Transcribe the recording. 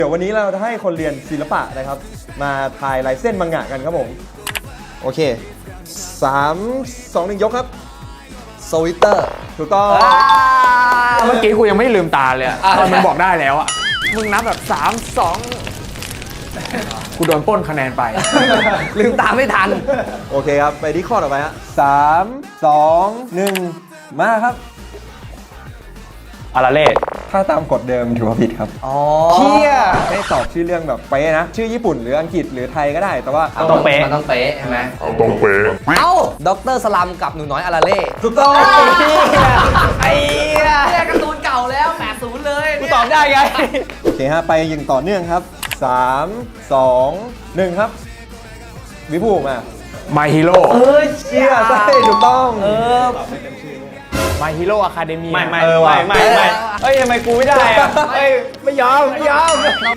เดี๋ยววันนี้เราจะให้คนเรียนศิลปะนะครับมาทายลายเส้นมังงะกันครับผมโอเค3 2 1ยกครับสวิตเตอร์ถูกต้องเมื่อกี้กูยังไม่ลืมตาเลยอะตอนมันบอกได้แล้วอะมึงนับแบบ3 2กูโดนปล้นคะแนนไปลืมตาไม่ทันโอเคครับไปที่ข้อต่อไปฮะ3 2 1มาครับอาราเล่ถ้าตามกฎเดิมถือว่าผิดครับอ๋อเชี่ยไม่ตอบชื่อเรื่องแบบเป๊ะนะชื่อญี่ปุ่นหรืออังกฤษหรือไทยก็ได้แต่ว่าต้องเป๊ะมันต้องเป๊ะใช่ไหมต้องเป๊ะเอ้าด็อกเตอร์สลัมกับหนูน้อยอาราเล่ถูกต้องไอ้เนี่ยการ์ตูนเก่าแล้ว80เลยกูตอบได้ไงโอเคฮะไปยิงต่อเนื่องครับ3 2 1ครับวิภูมิมา My Hero เชี่ยใช่ถูกต้อง My Hero Academia ไม่เออว่ะเฮ้ยทำไมกูไม่ได้อะเฮ้ยไม่ยอม